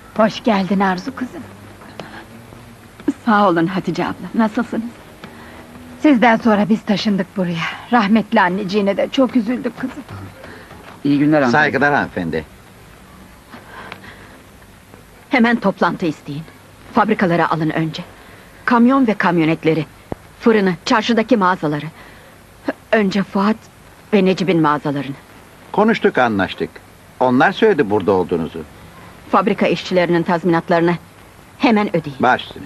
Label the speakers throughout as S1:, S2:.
S1: Hoş geldin Arzu kızım.
S2: Sağ olun Hatice abla, nasılsınız?
S1: Sizden sonra biz taşındık buraya. Rahmetli anneciğine de çok üzüldük kızım.
S3: İyi günler hanımefendi.
S4: Saygılar hanımefendi.
S2: Hemen toplantı isteyin. Fabrikalara alın önce. Kamyon ve kamyonetleri, fırını, çarşıdaki mağazaları. Önce Fuat ve Necip'in mağazalarını.
S4: Konuştuk, anlaştık. Onlar söyledi burada olduğunuzu.
S2: Fabrika işçilerinin tazminatlarını hemen ödeyin.
S4: Baş üstüne.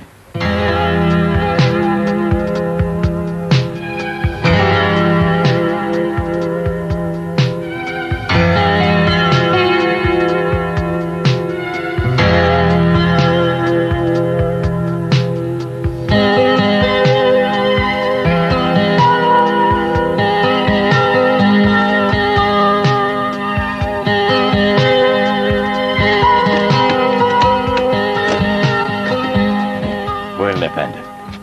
S5: Buyurun efendim.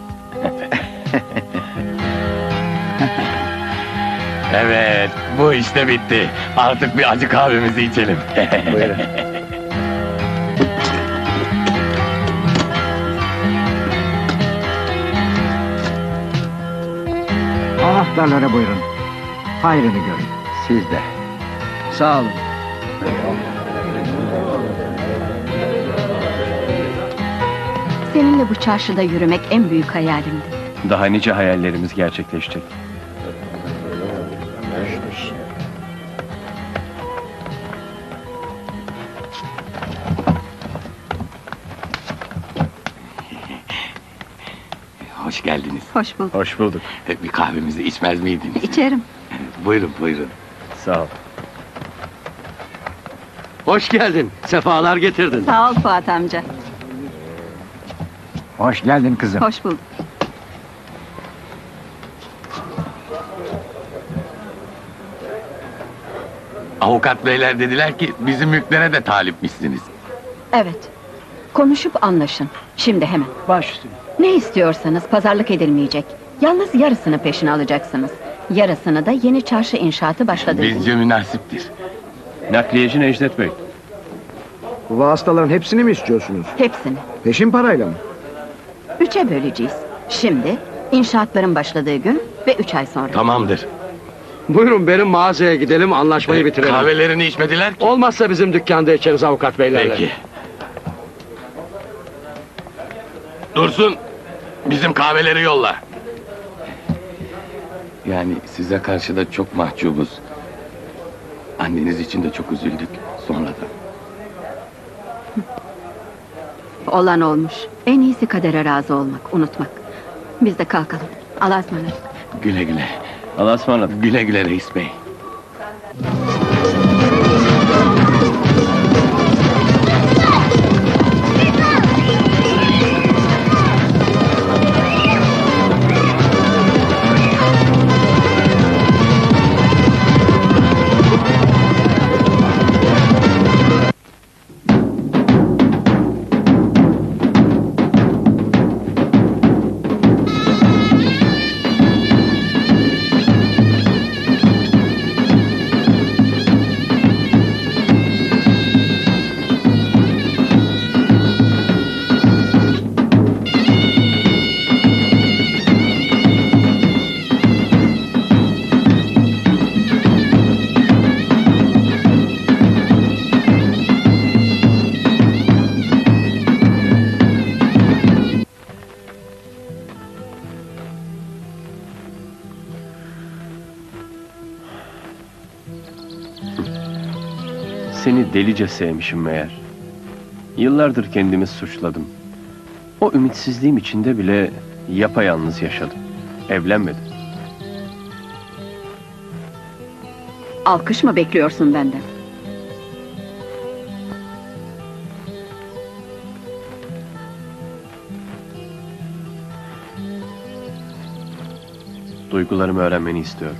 S5: Evet, bu işte bitti. Artık bir acı kahvemizi içelim.
S4: Buyurun.
S3: Anahtarlara buyurun. Hayrını görün.
S4: Siz de.
S3: Sağ olun.
S2: Seninle bu çarşıda yürümek en büyük hayalimdi.
S5: Daha nice hayallerimiz gerçekleşecek. Hoş geldiniz.
S2: Hoş bulduk.
S5: Hoş bulduk. Bir kahvemizi içmez miydiniz?
S2: İçerim.
S5: Buyurun, buyurun. Sağ ol.
S6: Hoş geldin, sefalar getirdin.
S2: Sağ ol Fuat amca.
S3: Hoş geldin kızım.
S2: Hoş bulduk.
S5: Avukat beyler dediler ki bizim mülklere de talipmişsiniz.
S2: Evet. Konuşup anlaşın. Şimdi hemen.
S3: Baş üstüne.
S2: Ne istiyorsanız pazarlık edilmeyecek. Yalnız yarısını peşine alacaksınız. Yarısını da yeni çarşı inşaatı başladı.
S5: Bizce münasiptir.
S7: Nakliyeci Necdet Bey.
S3: Bu vasıtaların hepsini mi istiyorsunuz?
S2: Hepsini.
S3: Peşin parayla mı?
S2: 3'e böleceğiz. Şimdi, inşaatların başladığı gün ve 3 ay sonra.
S5: Tamamdır.
S6: Buyurun benim mağazaya gidelim, anlaşmayı bitirelim.
S5: Kahvelerini içmediler ki.
S6: Olmazsa bizim dükkanda içeriz avukat beylerle.
S5: Peki. Dursun, bizim kahveleri yolla. Yani size karşı da çok mahcubuz. Anneniz için de çok üzüldük sonradan.
S2: Olan olmuş. En iyisi kadere razı olmak, unutmak. Biz de kalkalım. Allah'a ısmarladık.
S5: Güle güle.
S7: Allah'a ısmarladık.
S5: Güle güle reis bey.
S7: Seni delice sevmişim meğer. Yıllardır kendimi suçladım. O ümitsizliğim içinde bile yapayalnız yaşadım. Evlenmedim.
S2: Alkış mı bekliyorsun benden?
S7: Duygularımı öğrenmeni istiyorum.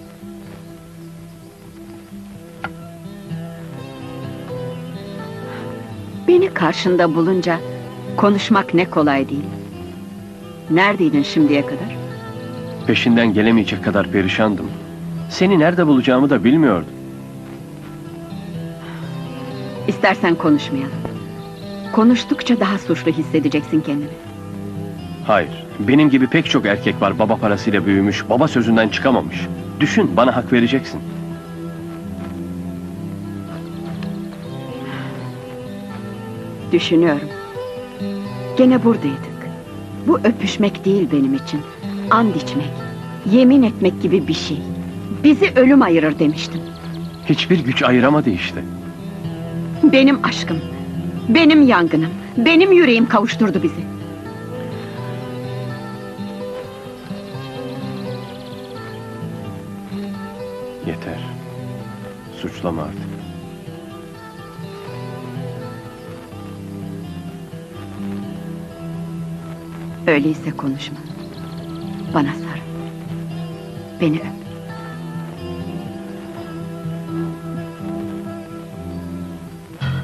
S2: Beni karşında bulunca konuşmak ne kolay değil. Neredeydin şimdiye kadar?
S7: Peşinden gelemeyecek kadar perişandım. Seni nerede bulacağımı da bilmiyordum.
S2: İstersen konuşmayalım. Konuştukça daha suçlu hissedeceksin kendini.
S7: Hayır. Benim gibi pek çok erkek var baba parasıyla büyümüş, baba sözünden çıkamamış. Düşün, bana hak vereceksin.
S2: Düşünüyorum. Gene buradaydık. Bu öpüşmek değil benim için. And içmek, yemin etmek gibi bir şey. Bizi ölüm ayırır demiştim.
S7: Hiçbir güç ayıramadı işte.
S2: Benim aşkım, benim yangınım, benim yüreğim kavuşturdu bizi.
S7: Yeter. Suçlama artık.
S2: Öyleyse konuşma. Bana sarıl. Beni öp.